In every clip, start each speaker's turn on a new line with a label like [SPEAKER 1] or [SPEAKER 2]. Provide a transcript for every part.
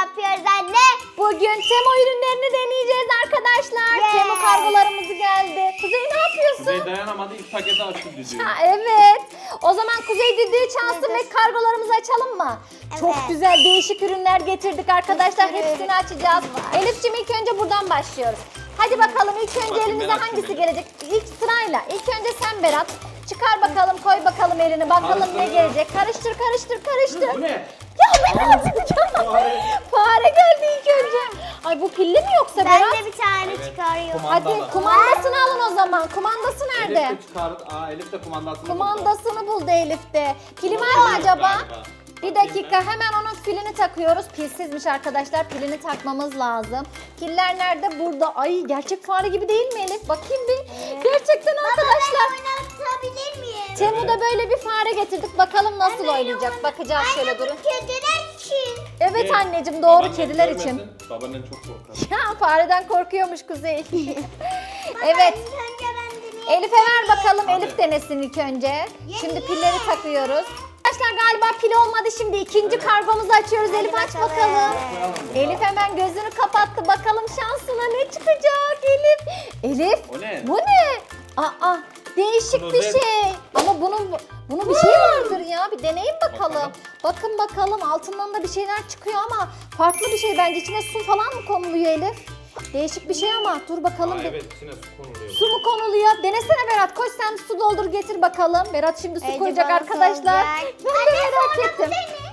[SPEAKER 1] yapıyoruz anne?
[SPEAKER 2] Bugün Temo ürünlerini deneyeceğiz arkadaşlar.
[SPEAKER 1] Yeah.
[SPEAKER 2] Temo kargolarımız geldi. Kuzey ne yapıyorsun?
[SPEAKER 3] Kuzey dayanamadı, ilk paketi açtı düdüğü.
[SPEAKER 2] Ha, evet. O zaman Kuzey düdüğü çalsın ve kargolarımızı açalım mı? Çok
[SPEAKER 1] Evet.
[SPEAKER 2] güzel değişik ürünler getirdik arkadaşlar.
[SPEAKER 1] Bir sürü
[SPEAKER 2] Hepsini açacağız. Elif'ciğim ilk önce buradan başlıyoruz. Hadi bakalım ilk önce
[SPEAKER 3] Bakayım,
[SPEAKER 2] elimize
[SPEAKER 3] ben açayım
[SPEAKER 2] hangisi
[SPEAKER 3] elimi.
[SPEAKER 2] gelecek? İlk sırayla. İlk önce sen Berat. Çıkar bakalım, koy bakalım elini. Bakalım ne
[SPEAKER 3] Karıştır.
[SPEAKER 2] gelecek. Karıştır, karıştır, karıştır.
[SPEAKER 3] Bu ne?
[SPEAKER 2] Ya Berat ya. Fare geldi ilk önce. Ay bu pilli mi yoksa
[SPEAKER 1] Ben
[SPEAKER 2] Berat?
[SPEAKER 1] de bir tane
[SPEAKER 3] Evet.
[SPEAKER 1] çıkarıyorum.
[SPEAKER 2] Hadi kumandasını alın o zaman. Kumandası nerede?
[SPEAKER 3] Elif de çıkardı. Elif de kumandasını buldu.
[SPEAKER 2] Kumandasını buldu Elif de. Pili var mı acaba?
[SPEAKER 3] Galiba.
[SPEAKER 2] Bir dakika hemen onun pilini takıyoruz. Pilsizmiş arkadaşlar. Pilini takmamız lazım. Piller nerede? Burada. Ay gerçek fare gibi değil mi Elif? Bakayım bir. Gerçekten arkadaşlar.
[SPEAKER 1] Oynatabilir miyim?
[SPEAKER 2] Temu'da böyle bir fare getirdik. Bakalım nasıl oynayacak. Bakacağız şöyle durun.
[SPEAKER 1] Kediler için.
[SPEAKER 2] Evet anneciğim doğru
[SPEAKER 3] Babaannen
[SPEAKER 2] kediler
[SPEAKER 3] görmesin,
[SPEAKER 2] için.
[SPEAKER 3] Babaannen çok korkar.
[SPEAKER 2] Ya fareden korkuyormuş Kuzey. Evet.
[SPEAKER 1] Önce ben deneyeyim.
[SPEAKER 2] Elif'e ver bakalım.
[SPEAKER 3] Hadi.
[SPEAKER 2] Elif denesin ilk önce. Şimdi pilleri takıyoruz. Arkadaşlar galiba pil olmadı. Şimdi ikinci kargomuzu açıyoruz. Elif aç bakalım.
[SPEAKER 3] Koyalım bunu.
[SPEAKER 2] Elif hemen gözünü kapattı. Bakalım şansına ne çıkacak Elif. Elif.
[SPEAKER 3] O ne?
[SPEAKER 2] Bu ne? Aa değişik bir
[SPEAKER 3] Klozet.
[SPEAKER 2] şey. Ama bunun bir şey vardır ya. Bir deneyin bakalım.
[SPEAKER 3] Bakalım.
[SPEAKER 2] Bakalım altından da bir şeyler çıkıyor ama farklı bir şey bence. İçine su falan mı konuluyor Elif? Değişik bir şey ama dur bakalım.
[SPEAKER 3] Aa,
[SPEAKER 2] bir.
[SPEAKER 3] evet, içine su konuluyor.
[SPEAKER 2] Su mu konuluyor? Denesene Berat. Koş sen su doldur getir bakalım. Berat şimdi su
[SPEAKER 1] Ece
[SPEAKER 2] koyacak
[SPEAKER 1] bana
[SPEAKER 2] arkadaşlar.
[SPEAKER 1] soracak.
[SPEAKER 2] Ben de merak ettim.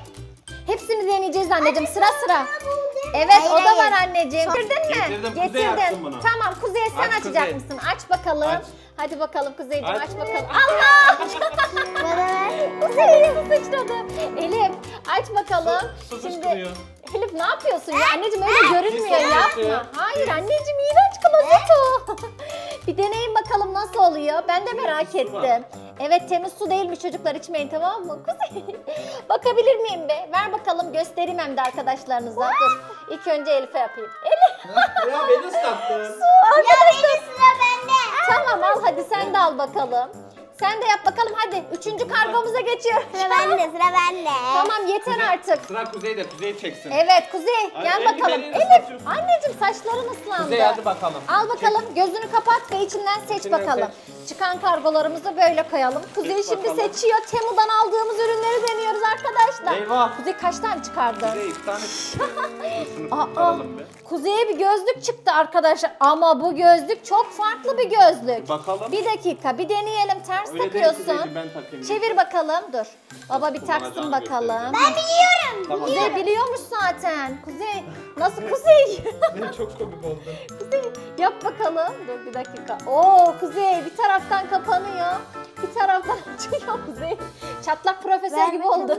[SPEAKER 2] Hepsini deneyeceğiz anneciğim sıra sıra. Evet
[SPEAKER 1] Hayır,
[SPEAKER 2] o da var
[SPEAKER 1] hayır.
[SPEAKER 2] anneciğim. Getirdin mi?
[SPEAKER 3] Getirdim. Kuzey açsın bunu.
[SPEAKER 2] Tamam Kuzey sen
[SPEAKER 3] Aç
[SPEAKER 2] açacak
[SPEAKER 3] Kuzey.
[SPEAKER 2] mısın? Aç bakalım.
[SPEAKER 3] Aç.
[SPEAKER 2] Hadi bakalım Kuzeyciğim
[SPEAKER 3] Aç.
[SPEAKER 2] aç bakalım. Allah!
[SPEAKER 1] Bana ver.
[SPEAKER 2] Kuzey su sıçradı. Elif aç bakalım.
[SPEAKER 3] Su
[SPEAKER 2] Şimdi
[SPEAKER 3] fışkırıyor.
[SPEAKER 2] Elif ne yapıyorsun ya? Anneciğim öyle görünmüyor
[SPEAKER 3] Pis
[SPEAKER 2] yapma.
[SPEAKER 3] olmuş.
[SPEAKER 2] Hayır anneciğim iğrenç klozet o. Bir deneyin bakalım nasıl oluyor. Ben de merak
[SPEAKER 3] su var.
[SPEAKER 2] ettim. Evet temiz su değilmiş çocuklar içmeyin tamam mı? Kuzey. Bakabilir miyim be? Ver bakalım göstereyim hem de arkadaşlarınıza. Dur. İlk önce Elif'e yapayım. Elif.
[SPEAKER 3] Ya beni ıslattın.
[SPEAKER 2] Arkadaşlar.
[SPEAKER 1] Sıra bende.
[SPEAKER 2] Tamam al hadi sen de al bakalım. Sen de yap bakalım hadi. Üçüncü kargomuza geçiyoruz.
[SPEAKER 1] Sıra bende. Sıra bende.
[SPEAKER 2] Tamam yeter artık.
[SPEAKER 3] Sıra Kuzey'de, Kuzey çeksin.
[SPEAKER 2] Evet Kuzey
[SPEAKER 3] Ay,
[SPEAKER 2] gel
[SPEAKER 3] elini
[SPEAKER 2] bakalım.
[SPEAKER 3] elini
[SPEAKER 2] Elif
[SPEAKER 3] ıslatıyorsun.
[SPEAKER 2] anneciğim saçların ıslandı.
[SPEAKER 3] Kuzey hadi bakalım.
[SPEAKER 2] Al bakalım gözünü kapat ve içinden seç
[SPEAKER 3] İçinden
[SPEAKER 2] bakalım. Çıkan kargolarımızı böyle koyalım. Kuzey
[SPEAKER 3] Seç
[SPEAKER 2] şimdi
[SPEAKER 3] bakalım.
[SPEAKER 2] seçiyor. Temu'dan aldığımız ürünleri deniyoruz arkadaşlar.
[SPEAKER 3] Eyvah.
[SPEAKER 2] Kuzey kaç tane çıkardı?
[SPEAKER 3] Kuzey iki tane çıktı. Şunu
[SPEAKER 2] Aa,
[SPEAKER 3] kurtaralım be.
[SPEAKER 2] Kuzey'e bir gözlük çıktı arkadaşlar. Ama bu gözlük çok farklı bir gözlük.
[SPEAKER 3] Bakalım.
[SPEAKER 2] Bir dakika bir deneyelim. Ters
[SPEAKER 3] Öyle değil
[SPEAKER 2] takıyorsun.
[SPEAKER 3] Kuzeyciğim, ben takayım.
[SPEAKER 2] Çevir bakalım dur. Baba bir taksın
[SPEAKER 3] Kullanacağını
[SPEAKER 2] bakalım.
[SPEAKER 1] Ben biliyorum.
[SPEAKER 3] Tamam.
[SPEAKER 2] Kuzey biliyormuş zaten. Kuzey nasıl Kuzey?
[SPEAKER 3] Çok komik oldu.
[SPEAKER 2] Kuzey yap bakalım. Dur bir dakika. Oo Kuzey bir taraftan kapanıyor. Bir taraftan açıyor Kuzey. Çatlak profesör
[SPEAKER 1] Ver
[SPEAKER 2] gibi
[SPEAKER 1] bakalım.
[SPEAKER 2] oldun.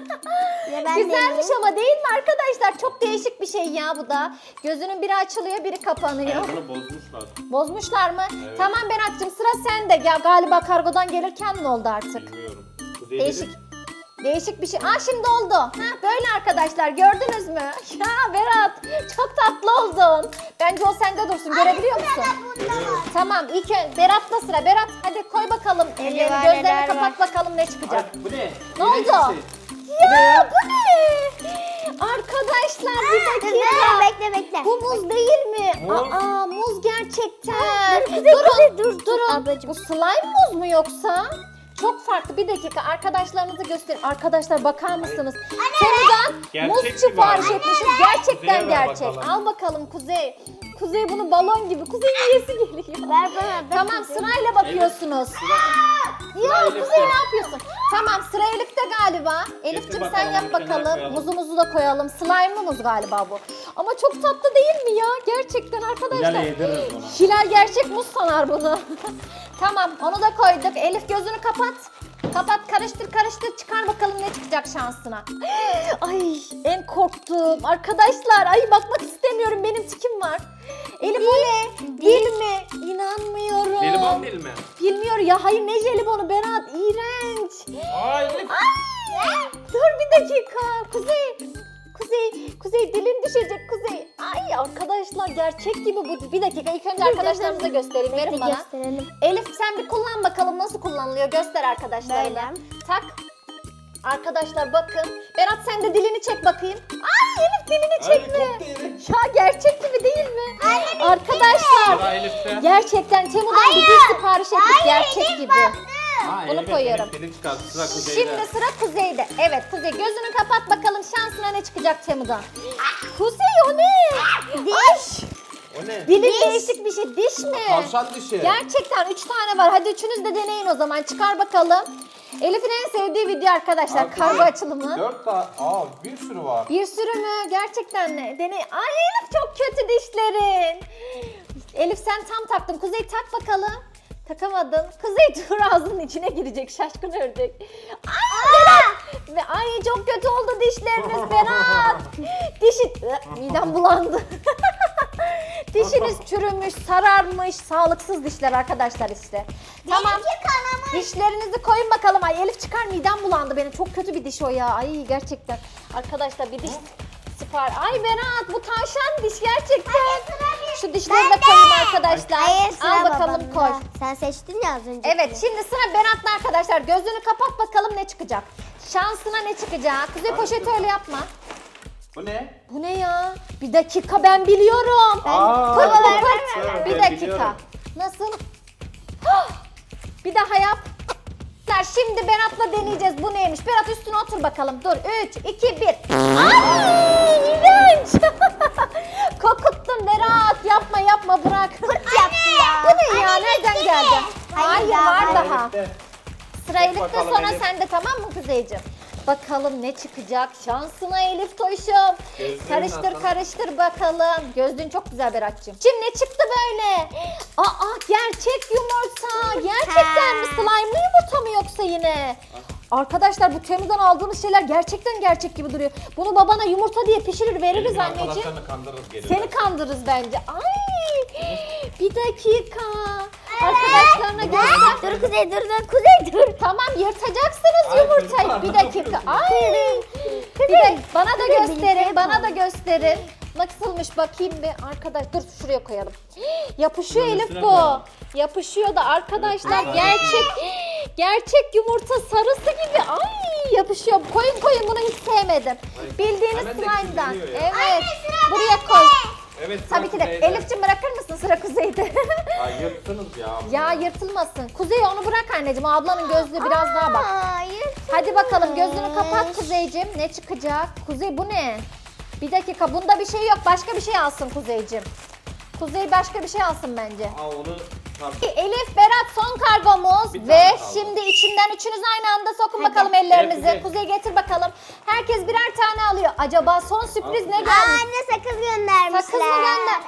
[SPEAKER 1] Ya ben
[SPEAKER 2] Güzelmiş
[SPEAKER 1] deneyeyim.
[SPEAKER 2] ama değil mi arkadaşlar? Çok değişik bir şey ya bu da. Gözünün biri açılıyor biri kapanıyor.
[SPEAKER 3] Bunu bozmuşlar.
[SPEAKER 2] Bozmuşlar mı?
[SPEAKER 3] Evet.
[SPEAKER 2] Tamam Berat'cığım sıra sende. Ya galiba kargodan gelirken mi oldu artık?
[SPEAKER 3] Bilmiyorum. Kuzey
[SPEAKER 2] Değişik.
[SPEAKER 3] dedi,
[SPEAKER 2] Değişik bir şey. Aa şimdi oldu. Ha böyle arkadaşlar gördünüz mü? Ya Berat çok tatlı oldun. Bence o sende dursun. Görebiliyor musun? Tamam ilk Berat'la sıra. Berat hadi koy bakalım ellerini.
[SPEAKER 1] var,
[SPEAKER 2] Gözlerini
[SPEAKER 1] neler
[SPEAKER 2] kapat bakalım ne çıkacak.
[SPEAKER 3] Ay, bu ne?
[SPEAKER 2] Ne
[SPEAKER 3] İğrenç
[SPEAKER 2] oldu?
[SPEAKER 3] bir şey.
[SPEAKER 2] Ya bu ne? Arkadaşlar bir dakika.
[SPEAKER 1] Bekle bekle.
[SPEAKER 2] Bu muz değil mi?
[SPEAKER 3] Muz.
[SPEAKER 2] Aa muz gerçekten.
[SPEAKER 1] Dur.
[SPEAKER 2] Durun.
[SPEAKER 1] Ablacığım.
[SPEAKER 2] Bu slime muz mu yoksa? Çok farklı. Bir dakika arkadaşlarınızı gösterin. Arkadaşlar bakar mısınız? Temu'dan
[SPEAKER 3] Gerçek
[SPEAKER 2] muz
[SPEAKER 3] gibi
[SPEAKER 2] sipariş
[SPEAKER 3] abi.
[SPEAKER 2] etmişiz. Gerçekten
[SPEAKER 3] Kuzey'e ver
[SPEAKER 2] gerçek.
[SPEAKER 3] bakalım.
[SPEAKER 2] Al bakalım Kuzey. Kuzey bunu balon gibi. Kuzey yiyesi geliyor.
[SPEAKER 1] Ver bana.
[SPEAKER 2] Tamam sırayla bakıyorsunuz. Ya
[SPEAKER 3] Elif'te.
[SPEAKER 2] Kuzey ne yapıyorsun? Tamam sıra Elif'te galiba. Elif'cim sen
[SPEAKER 3] bakalım,
[SPEAKER 2] yap
[SPEAKER 3] bir kenara
[SPEAKER 2] bakalım.
[SPEAKER 3] koyalım.
[SPEAKER 2] Muzumuzu da koyalım. Slime'lı muz galiba bu. Ama çok tatlı değil mi ya? Gerçekten arkadaşlar.
[SPEAKER 3] Hilal'e yediririz ona.
[SPEAKER 2] Hilal gerçek muz sanar bunu. Tamam onu da koyduk. Elif gözünü kapat. Kapat karıştır çıkar bakalım ne çıkacak şansına. Ay en korktuğum arkadaşlar. Ay bakmak istemiyorum benim tikim var. Elif o ne? Dil mi? İnanmıyorum.
[SPEAKER 3] Jelibon değil mi?
[SPEAKER 2] Bilmiyor ya. Hayır ne jelibonu Berat? İğrenç.
[SPEAKER 3] Ay Elif.
[SPEAKER 2] Ay, dur bir dakika. Kuzey dilin düşecek Kuzey. Ay arkadaşlar gerçek gibi bu. Bir dakika ilk önce arkadaşlarınıza göstereyim. Verin bana.
[SPEAKER 1] Gösterelim.
[SPEAKER 2] Elif sen bir kullan bakalım nasıl kullanılıyor. Göster arkadaşlarına.
[SPEAKER 1] Böyle.
[SPEAKER 2] Tak. Arkadaşlar bakın. Berat sen de dilini çek bakayım. Ay Elif dilini
[SPEAKER 3] Hayır,
[SPEAKER 2] çekme.
[SPEAKER 3] koptu Elif.
[SPEAKER 2] Ya gerçek gibi değil mi? Arkadaşlar
[SPEAKER 3] Sıra Elif'te.
[SPEAKER 2] gerçekten Temu'dan bir diş sipariş ettik gerçek gibi.
[SPEAKER 3] Ha,
[SPEAKER 2] Bunu koyuyorum.
[SPEAKER 3] Elif dilini çıkarttı. Sıra Kuzey'de.
[SPEAKER 2] Şimdi sıra Kuzey'de. Evet Kuzey gözünü kapat bakalım şansına ne çıkacak Temu'dan. Kuzey o ne? Diş.
[SPEAKER 3] O ne?
[SPEAKER 2] Dili değişik bir şey. Diş mi?
[SPEAKER 3] Tavşan dişi.
[SPEAKER 2] Gerçekten 3 tane var. Hadi üçünüz de deneyin o zaman. Çıkar bakalım. Elif'in en sevdiği video arkadaşlar.
[SPEAKER 3] Arkadaşlar,
[SPEAKER 2] Kargo açılımı.
[SPEAKER 3] 4 tane. Aa, bir sürü var.
[SPEAKER 2] Bir sürü mü? Gerçekten ne? Deney. Ay Elif çok kötü dişlerin. Elif sen tam taktın. Kuzey tak bakalım. Takamadın. Kuzey dur ağzının içine girecek. Şaşkın ördek. Ay Berat. Ve ay çok kötü oldu dişleriniz Berat. Dişi... Midem bulandı. Dişiniz çürümüş, sararmış, sağlıksız dişler arkadaşlar işte. Tamam. Dişlerinizi koyun bakalım. Ay Elif çıkar midem bulandı benim. Çok kötü bir diş o ya. Ay gerçekten. Arkadaşlar bir diş sipar. Ay Berat bu tavşan diş gerçekten. Şu dişleri de koyun arkadaşlar.
[SPEAKER 1] Hayır sıra
[SPEAKER 2] Al bakalım
[SPEAKER 1] babamda.
[SPEAKER 2] koy.
[SPEAKER 1] Sen seçtin ya az önce.
[SPEAKER 2] Evet şimdi sıra Berat'la arkadaşlar. Gözünü kapat bakalım ne çıkacak. Şansına ne çıkacak? Kuzey poşeti öyle yapma.
[SPEAKER 3] Bu ne?
[SPEAKER 2] Bu ne ya? Bir dakika ben biliyorum.
[SPEAKER 3] Aa,
[SPEAKER 2] Pırt pırt
[SPEAKER 3] evet,
[SPEAKER 2] pırt.
[SPEAKER 3] evet,
[SPEAKER 2] Bir
[SPEAKER 3] ben
[SPEAKER 2] dakika.
[SPEAKER 3] biliyorum.
[SPEAKER 2] Nasıl? Hah! Bir daha yap. Şimdi Berat'la deneyeceğiz. Bu neymiş? Berat üstüne otur bakalım. Dur. 3, 2, 1. Ay! İğrenç! Kokuttun Berat. Yapma yapma bırak.
[SPEAKER 1] yaptı ya.
[SPEAKER 2] Bu ne ya? Nereden geldi? Hayır var
[SPEAKER 1] daha
[SPEAKER 2] daha.
[SPEAKER 3] Elif'te.
[SPEAKER 2] Sıra
[SPEAKER 3] Çek
[SPEAKER 2] Elif'te
[SPEAKER 3] bakalım
[SPEAKER 2] sonra
[SPEAKER 3] Elif.
[SPEAKER 2] sende tamam mı Kuzeyciğim? Bakalım ne çıkacak şansına Elif Toş'um.
[SPEAKER 3] Gözlüğün
[SPEAKER 2] Karıştır
[SPEAKER 3] nasıl?
[SPEAKER 2] karıştır bakalım. Gözlüğün çok güzel Berat'cığım. Şimdi ne çıktı böyle? Aa gerçek yumurta. Gerçekten mi? Slime'lı yumurta mı yoksa yine? Arkadaşlar bu Temu'dan aldığımız şeyler gerçekten gerçek gibi duruyor. Bunu babana yumurta diye pişirir veririz
[SPEAKER 3] Elif'in
[SPEAKER 2] anneciğim.
[SPEAKER 3] arkadaşlarını kandırırız geliyor.
[SPEAKER 2] Seni kandırırız bence. Ay bir dakika. Arkadaşlarına göster.
[SPEAKER 1] Dur Kuzey dur Kuzey dur.
[SPEAKER 2] Tamam yırtacaksınız
[SPEAKER 3] Ay,
[SPEAKER 2] yumurtayı.
[SPEAKER 3] çocuklar,
[SPEAKER 2] Bir
[SPEAKER 3] ne
[SPEAKER 2] dakika.
[SPEAKER 3] yapıyorsunuz?
[SPEAKER 2] Ay. Bir de bana da
[SPEAKER 1] birlikte
[SPEAKER 2] gösterin. Bana
[SPEAKER 1] yapalım.
[SPEAKER 2] da gösterin. Nasılmış bakayım bir arkadaş. Dur şuraya koyalım. Yapışıyor
[SPEAKER 3] Bunun
[SPEAKER 2] Elif
[SPEAKER 3] üstüne
[SPEAKER 2] bu.
[SPEAKER 3] koyalım.
[SPEAKER 2] Yapışıyor da arkadaşlar
[SPEAKER 3] Evet,
[SPEAKER 2] gerçek yumurta sarısı gibi. Ay yapışıyor. Koyun bunu hiç sevmedim. Bildiğiniz
[SPEAKER 3] hemen de
[SPEAKER 2] slime'dan.
[SPEAKER 3] küçülüyor ya.
[SPEAKER 2] Evet. Buraya koy.
[SPEAKER 3] Evet, sıra
[SPEAKER 2] Tabii ki de.
[SPEAKER 3] Kuzey'de.
[SPEAKER 2] Elif'ciğim bırakır mısın sıra Kuzey'de?
[SPEAKER 3] Ay yırttınız ya.
[SPEAKER 2] Ya yırtılmasın. Kuzey onu bırak anneciğim. O ablanın gözlüğü biraz daha bak.
[SPEAKER 1] Hayır.
[SPEAKER 2] Hadi bakalım gözünü kapat Kuzeyciğim. Ne çıkacak? Kuzey bu ne? Bir dakika bunda bir şey yok. Başka bir şey alsın Kuzeyciğim. Kuzey başka bir şey alsın bence.
[SPEAKER 3] Aa, onu tabii.
[SPEAKER 2] Elif, Berat son kargomuz
[SPEAKER 3] Bir tane
[SPEAKER 2] ve
[SPEAKER 3] kaldı.
[SPEAKER 2] şimdi içinden üçünüz aynı anda sokun
[SPEAKER 1] Hadi.
[SPEAKER 2] bakalım ellerinizi.
[SPEAKER 3] Evet,
[SPEAKER 2] Kuzey getir bakalım. Herkes birer tane alıyor. Acaba son sürpriz ne
[SPEAKER 1] Aa,
[SPEAKER 2] gelmiş?
[SPEAKER 1] anne sakız göndermişler.
[SPEAKER 2] Sakız mı gönder?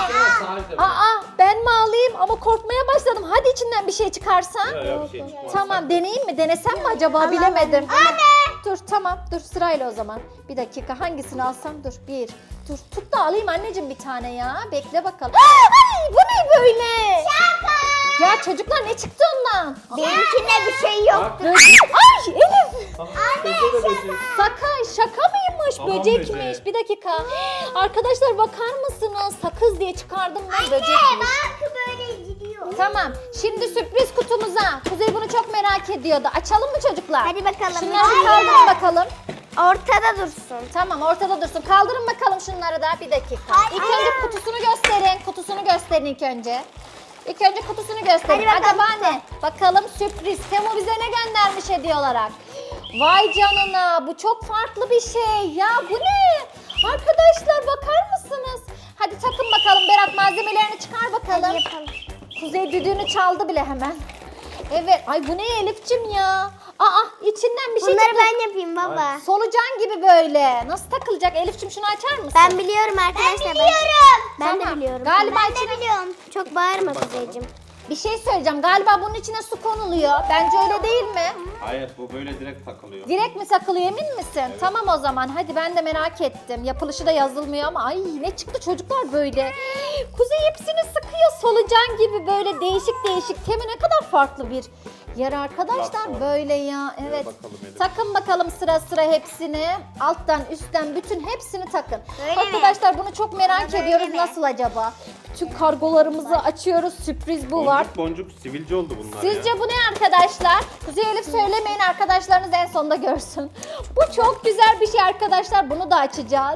[SPEAKER 2] Aa ben mi alayım? Ama korkmaya başladım. Hadi içinden bir şey çıkarsan.
[SPEAKER 3] Yok, bir şey çıkmaz.
[SPEAKER 2] Tamam deneyeyim mi? Denesem mi acaba? Bilemedim. Dur tamam dur sırayla o zaman. Bir dakika hangisini alsam dur. Bir. Dur tut da alayım anneciğim bir tane ya. Bekle bakalım. Ay bu ne böyle?
[SPEAKER 1] Şaka.
[SPEAKER 2] Ya çocuklar ne çıktı ondan?
[SPEAKER 1] Benimkinde bir şey yok.
[SPEAKER 3] Bak.
[SPEAKER 2] Ay Elif.
[SPEAKER 3] Anne
[SPEAKER 2] Şaka mıymış?
[SPEAKER 3] Tamam,
[SPEAKER 2] Böcekmiş.
[SPEAKER 3] böcek.
[SPEAKER 2] Bir dakika. Arkadaşlar bakar mısınız? Sakız diye çıkardım ben böcekmiş.
[SPEAKER 1] Bak böyle gidiyor.
[SPEAKER 2] Tamam. Şimdi sürpriz kutumuza. Kuzey bunu çok merak ediyordu. Açalım mı çocuklar?
[SPEAKER 1] Hadi bakalım.
[SPEAKER 2] Şunları kaldırın bakalım.
[SPEAKER 1] Ortada dursun.
[SPEAKER 2] Tamam ortada dursun. Kaldırın bakalım şunları da bir dakika.
[SPEAKER 1] Hayır.
[SPEAKER 2] İlk önce kutusunu gösterin. Kutusunu gösterin ilk önce. İlk önce kutusunu gösterin.
[SPEAKER 1] Hadi bakalım.
[SPEAKER 2] Acaba ne? Bakalım sürpriz. Temu bize ne göndermiş hediye olarak? Vay canına bu çok farklı bir şey. Ya bu ne? Arkadaşlar bakar mısınız? Hadi takın bakalım Berat malzemelerini çıkar bakalım.
[SPEAKER 1] Hadi yapalım.
[SPEAKER 2] Kuzey düdüğünü çaldı bile hemen. Evet. Ay bu ne Elif'cim ya? Aa içinden bir şey
[SPEAKER 1] Bunları
[SPEAKER 2] çıktı.
[SPEAKER 1] ben yapayım baba.
[SPEAKER 2] Solucan gibi böyle. Nasıl takılacak? Elif'cim şunu açar mısın?
[SPEAKER 1] Ben biliyorum arkadaşlar. Ben biliyorum. Ben
[SPEAKER 2] Tamam.
[SPEAKER 1] de biliyorum.
[SPEAKER 2] Galiba
[SPEAKER 1] ben
[SPEAKER 2] içine-
[SPEAKER 1] de biliyorum. Çok bağırma Kuzeyciğim.
[SPEAKER 2] Bir şey söyleyeceğim. Galiba bunun içine su konuluyor. Bence öyle değil mi?
[SPEAKER 3] Hayır, bu böyle direkt takılıyor.
[SPEAKER 2] Direkt mi takılıyor emin misin? Tamam o zaman. Hadi ben de merak ettim. Yapılışı da yazılmıyor ama ay ne çıktı çocuklar böyle. Kuzey hepsini sıkıyor solucan gibi böyle değişik değişik. Temi ne kadar farklı bir yer arkadaşlar
[SPEAKER 3] Platform.
[SPEAKER 2] böyle ya. Evet.
[SPEAKER 3] bakalım Elif.
[SPEAKER 2] Takın bakalım sıra sıra hepsini. Alttan üstten bütün hepsini takın.
[SPEAKER 1] Öyle mi?
[SPEAKER 2] Arkadaşlar bunu çok merak
[SPEAKER 1] Böyle
[SPEAKER 2] ediyoruz.
[SPEAKER 1] mi?
[SPEAKER 2] Nasıl acaba? Bütün kargolarımızı açıyoruz. Sürpriz bu var.
[SPEAKER 3] Boncuk boncuk sivilce oldu bunlar ya.
[SPEAKER 2] Sizce bu ne arkadaşlar? Kuzey Elif söylemeyin arkadaşlarınız en sonunda görsün. Bu çok güzel bir şey arkadaşlar. Bunu da açacağız.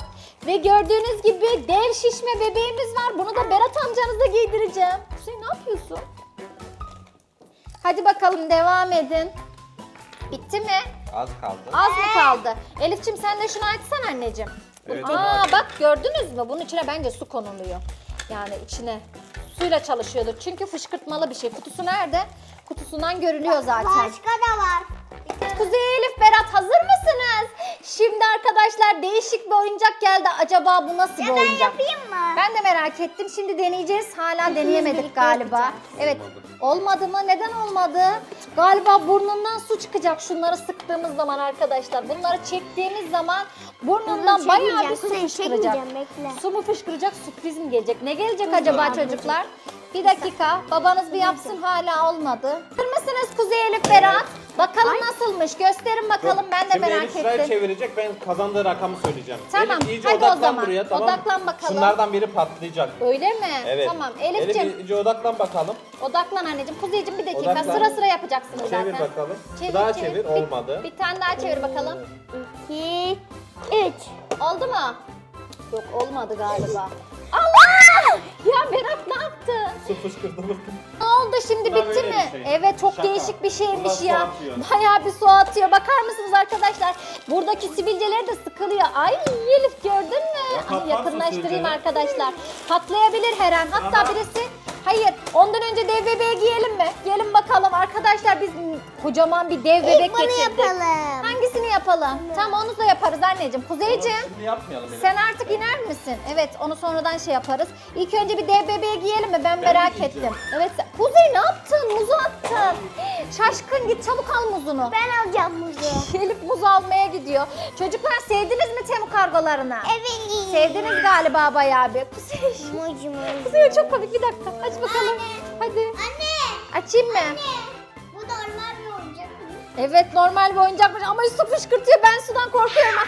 [SPEAKER 2] Ve gördüğünüz gibi dev şişme bebeğimiz var. Bunu da Berat amcanıza giydireceğim. Kuzey ne yapıyorsun? Hadi bakalım devam edin. Bitti mi?
[SPEAKER 3] Az kaldı.
[SPEAKER 2] Az mı kaldı? Elifçim sen de şunu açsana anneciğim.
[SPEAKER 3] Evet, onu
[SPEAKER 2] Aa
[SPEAKER 3] aç.
[SPEAKER 2] bak gördünüz mü? Bunun içine bence su konuluyor. Yani içine suyla çalışıyordur. Çünkü fışkırtmalı bir şey. Kutusu nerede? Kutusundan görünüyor zaten.
[SPEAKER 1] Başka da var.
[SPEAKER 2] Kuzey, Elif, Berat hazır mısınız? Şimdi arkadaşlar değişik bir oyuncak geldi. Acaba bu nasıl bir oyuncak?
[SPEAKER 1] Yapayım mı?
[SPEAKER 2] Ben de merak ettim. Şimdi deneyeceğiz. Hala deneyemedik
[SPEAKER 1] birlikte
[SPEAKER 2] galiba.
[SPEAKER 1] yapacağız.
[SPEAKER 2] Evet. Olmadı mı? Neden olmadı? Galiba burnundan su çıkacak şunları sıktığımız zaman arkadaşlar. Bunları çektiğimiz zaman burnundan bayağı bir su fışkıracak.
[SPEAKER 1] Bekle.
[SPEAKER 2] Su mu fışkıracak, sürpriz mi gelecek? Ne gelecek acaba çocuklar? Bir dakika. Babanız bir yapsın, hala olmadı. Hazır mısınız Kuzey, Elif, Berat? Bakalım nasılmış. Gösterin bakalım. Ben de
[SPEAKER 3] Şimdi
[SPEAKER 2] merak
[SPEAKER 3] Elif sırayı
[SPEAKER 2] ettim.
[SPEAKER 3] çevirecek, ben kazandığı rakamı söyleyeceğim.
[SPEAKER 2] Tamam,
[SPEAKER 3] Elif iyice
[SPEAKER 2] hadi o
[SPEAKER 3] odaklan
[SPEAKER 2] zaman.
[SPEAKER 3] buraya, tamam mı?
[SPEAKER 2] Odaklan bakalım.
[SPEAKER 3] Şunlardan biri patlayacak.
[SPEAKER 2] Öyle mi?
[SPEAKER 3] Evet.
[SPEAKER 2] Tamam.
[SPEAKER 3] Elif
[SPEAKER 2] Elif'ciğim
[SPEAKER 3] iyice odaklan bakalım.
[SPEAKER 2] odaklan anneciğim. Kuzeyciğim bir dakika.
[SPEAKER 3] Odaklan.
[SPEAKER 2] Sıra sıra yapacaksınız
[SPEAKER 3] Çevir
[SPEAKER 2] zaten.
[SPEAKER 3] bakalım. Bir daha çevir, olmadı.
[SPEAKER 2] Bir tane daha çevir bakalım.
[SPEAKER 1] 2, 3.
[SPEAKER 2] Oldu mu? Yok olmadı galiba. Allah! Ya Berat ne yaptı?
[SPEAKER 3] Su fışkırdı mı?
[SPEAKER 2] Ne oldu şimdi,
[SPEAKER 3] Bu da
[SPEAKER 2] bitti
[SPEAKER 3] böyle
[SPEAKER 2] mi?
[SPEAKER 3] bir şey.
[SPEAKER 2] Evet çok
[SPEAKER 3] Şaka.
[SPEAKER 2] değişik bir şeymiş
[SPEAKER 3] Bundan su
[SPEAKER 2] ya.
[SPEAKER 3] atıyor.
[SPEAKER 2] Bayağı bir su atıyor. Bakar mısınız arkadaşlar? Buradaki sivilceleri de sıkılıyor. Ay Elif gördün mü?
[SPEAKER 3] Ya
[SPEAKER 2] Ay,
[SPEAKER 3] patlarsa
[SPEAKER 2] yakınlaştırayım
[SPEAKER 3] sivilceler.
[SPEAKER 2] arkadaşlar. Patlayabilir her an. Hatta
[SPEAKER 3] Aha.
[SPEAKER 2] birisi... Hayır, ondan önce dev bebeği giyelim mi? Gelin bakalım arkadaşlar, biz kocaman bir dev bebek
[SPEAKER 1] Bunu
[SPEAKER 2] getirdik.
[SPEAKER 1] yapalım.
[SPEAKER 2] Hangisini yapalım? Tamam onu da yaparız anneciğim. Kuzeyciğim.
[SPEAKER 3] Şimdi yapmayalım Elif.
[SPEAKER 2] Sen artık iner misin? Evet, onu sonradan şey yaparız. İlk önce bir dev bebeği giyelim mi? Ben merak
[SPEAKER 3] giyeceğim.
[SPEAKER 2] ettim. Evet, Kuzey ne yaptın? Muzu attın. Şaşkın, git çabuk al muzunu.
[SPEAKER 1] Ben alacağım muzu.
[SPEAKER 2] Elif muz almaya gidiyor. Çocuklar sevdiniz mi Temu kargolarını?
[SPEAKER 1] Evet.
[SPEAKER 2] Sevdiniz galiba bayağı bir. Kuzey.
[SPEAKER 1] Mucu mucu.
[SPEAKER 2] Kuzey çok komik, bir dakika. Aç bakalım. Hadi.
[SPEAKER 1] Anne.
[SPEAKER 2] Açayım mı?
[SPEAKER 1] Bu normal bir oyuncak.
[SPEAKER 2] Evet normal bir oyuncakmış ama su fışkırtıyor. Ben sudan korkuyorum.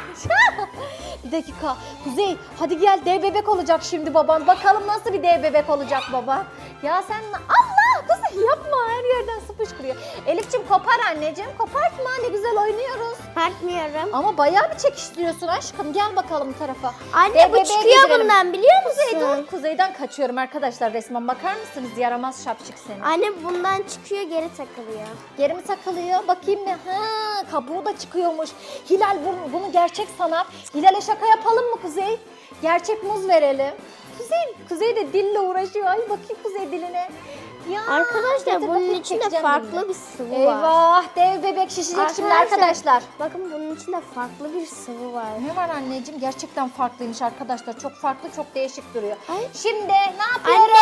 [SPEAKER 2] Bir dakika. Kuzey hadi gel, dev bebek olacak şimdi baban. Bakalım nasıl bir dev bebek olacak baba. Ya sen Allah Kuzey yapma, her yerden su fışkırıyor. Elif'ciğim kopar anneciğim, kopartma, ne güzel oynuyoruz.
[SPEAKER 1] Partmıyorum.
[SPEAKER 2] Ama bayağı bir çekiştiriyorsun aşkım. Gel bakalım bu tarafa.
[SPEAKER 1] Anne
[SPEAKER 2] Dev
[SPEAKER 1] bu
[SPEAKER 2] bebeğe
[SPEAKER 1] çıkıyor
[SPEAKER 2] giydirelim.
[SPEAKER 1] bundan biliyor musun?
[SPEAKER 2] Kuzeyden, kuzeyden kaçıyorum arkadaşlar resmen. Bakar mısınız, yaramaz şapşık seni.
[SPEAKER 1] Anne bundan çıkıyor geri takılıyor.
[SPEAKER 2] Geri mi takılıyor? Bakayım bir. Ha, kabuğu da çıkıyormuş. Hilal bunu gerçek sanar. Hilal'e şaka yapalım mı Kuzey? Gerçek muz verelim. Kuzey de dille uğraşıyor. Ay bakayım Kuzey diline. Ya,
[SPEAKER 1] Arkadaşlar
[SPEAKER 2] getir
[SPEAKER 1] bunun
[SPEAKER 2] bakayım,
[SPEAKER 1] içinde
[SPEAKER 2] çekeceğim
[SPEAKER 1] farklı
[SPEAKER 2] dilini.
[SPEAKER 1] bir sıvı var.
[SPEAKER 2] Eyvah, dev bebek şişecek şimdi arkadaşlar.
[SPEAKER 1] Bakın bunun içinde farklı bir sıvı var.
[SPEAKER 2] Ne var anneciğim? Gerçekten farklıymış arkadaşlar. Çok farklı, çok değişik duruyor.
[SPEAKER 1] Ay.
[SPEAKER 2] Şimdi ne yapıyoruz?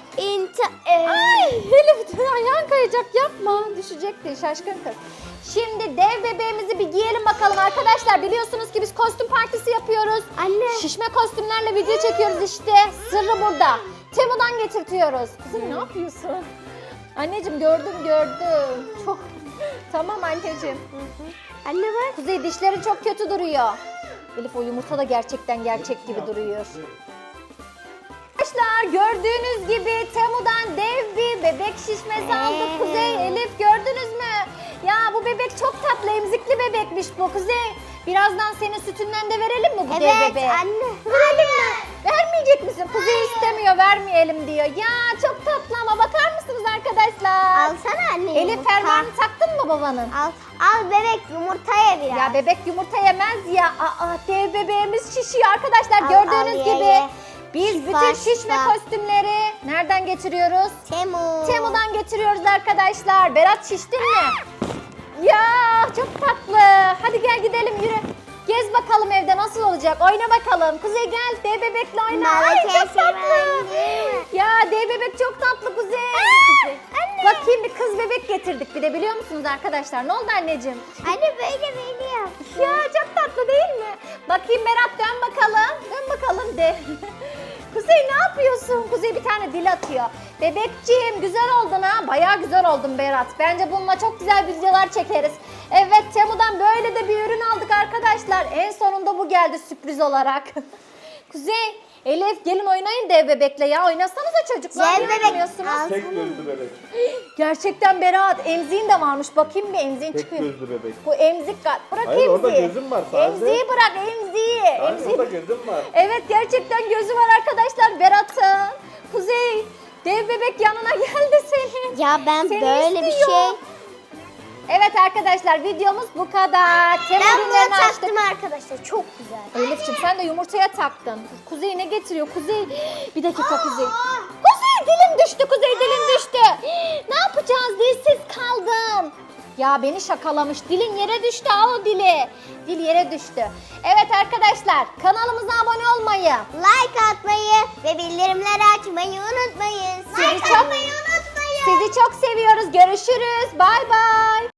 [SPEAKER 1] Anne.
[SPEAKER 2] Ay Elif ayağın kayacak, yapma. Düşecekti şaşkın kız. Şimdi dev bebeğimizi bir giyelim bakalım arkadaşlar. Biliyorsunuz ki biz kostüm partisi yapıyoruz.
[SPEAKER 1] Anne.
[SPEAKER 2] Şişme kostümlerle video çekiyoruz işte. Sırrı burada. Temu'dan getirtiyoruz. Kızım ne yapıyorsun? Anneciğim gördüm. Çok. Tamam anneciğim.
[SPEAKER 1] Anne bak.
[SPEAKER 2] Kuzey dişleri çok kötü duruyor. Elif o yumurta da gerçekten gerçek gibi duruyor. Arkadaşlar gördüğünüz gibi Temu'dan dev bir bebek şişmesi aldık. Kuzey, Elif gördünüz mü? Ya bu bebek çok tatlı, emzikli bebekmiş bu Kuzey. Birazdan senin sütünden de verelim mi bu dev
[SPEAKER 1] Evet
[SPEAKER 2] bebeğe?
[SPEAKER 1] anne.
[SPEAKER 2] Verelim mi? Vermeyecek misin? Kuzey istemiyor, vermeyelim diyor. Ya çok tatlı ama bakar mısınız arkadaşlar?
[SPEAKER 1] Alsana anne
[SPEAKER 2] Elif
[SPEAKER 1] yumurta.
[SPEAKER 2] fermuarını taktın mı babanın?
[SPEAKER 1] Al bebek yumurta ye biraz.
[SPEAKER 2] Ya bebek yumurta yemez ya. Aa, dev bebeğimiz şişiyor arkadaşlar.
[SPEAKER 1] Al,
[SPEAKER 2] Gördüğünüz
[SPEAKER 1] al, ye,
[SPEAKER 2] gibi.
[SPEAKER 1] ye.
[SPEAKER 2] Biz
[SPEAKER 1] Şifa,
[SPEAKER 2] bütün şişme
[SPEAKER 1] şifa.
[SPEAKER 2] kostümleri nereden getiriyoruz?
[SPEAKER 1] Temu.
[SPEAKER 2] Temu'dan getiriyoruz arkadaşlar. Berat şiştin mi? Ya çok tatlı. Hadi gel gidelim, yürü. Gez bakalım evde nasıl olacak. Oyna bakalım. Kuzey gel, dev bebekle oyna. Ay çok tatlı. Ya dev bebek çok tatlı Kuzey. Kuzey. Bakayım, bir kız bebek getirdik bir de, biliyor musunuz arkadaşlar? Ne oldu anneciğim?
[SPEAKER 1] Anne böyle yap.
[SPEAKER 2] Ya çok tatlı değil mi? Bakayım Berat, dön bakalım. Dön bakalım de. Kuzey ne yapıyorsun? Kuzey bir tane dil atıyor. Bebekciğim güzel oldun ha. Bayağı güzel oldun Berat. Bence bununla çok güzel videolar çekeriz. Evet, Temu'dan böyle de bir ürün aldık arkadaşlar. En sonunda bu geldi sürpriz olarak. Kuzey, Elif gelin oynayın dev bebekle ya. Oynasanıza çocuklar.
[SPEAKER 1] Dev
[SPEAKER 2] Niye
[SPEAKER 1] bebek
[SPEAKER 2] oynamıyorsunuz?
[SPEAKER 1] al.
[SPEAKER 3] Tek gözlü bebek.
[SPEAKER 2] Gerçekten Berat. Emziğin de varmış. Bakayım bir emziğin
[SPEAKER 3] Tek
[SPEAKER 2] çıkıyor.
[SPEAKER 3] gözlü bebek.
[SPEAKER 2] Bu emzik bırak
[SPEAKER 3] Hayır, orada
[SPEAKER 2] emziği.
[SPEAKER 3] gözüm var sadece.
[SPEAKER 2] Emziği bırak emziği.
[SPEAKER 3] Hayır,
[SPEAKER 2] Emziği.
[SPEAKER 3] orada gözüm var.
[SPEAKER 2] Evet gerçekten gözü var arkadaşlar Berat'ın. Kuzey dev bebek yanına geldi senin.
[SPEAKER 1] Ya ben
[SPEAKER 2] Seni
[SPEAKER 1] böyle bir
[SPEAKER 2] istiyor.
[SPEAKER 1] şey.
[SPEAKER 2] Evet arkadaşlar videomuz bu kadar.
[SPEAKER 1] Ben
[SPEAKER 2] Temel
[SPEAKER 1] bunu
[SPEAKER 2] ürünlerini açtık.
[SPEAKER 1] taktım arkadaşlar. Çok güzel.
[SPEAKER 2] Elif'ciğim sen de yumurtaya taktın. Kuzey ne getiriyor? Kuzey bir dakika Kuzey. Kuzey dilim düştü. Kuzey dilim düştü. Ne yapacağız? Dilsiz kaldın. Ya beni şakalamış. Dilin yere düştü. Al o dili. Dil yere düştü. Evet arkadaşlar kanalımıza abone olmayı.
[SPEAKER 1] Like atmayı ve bildirimleri açmayı unutmayın.
[SPEAKER 2] Sizi çok seviyoruz. Görüşürüz. Bay bay.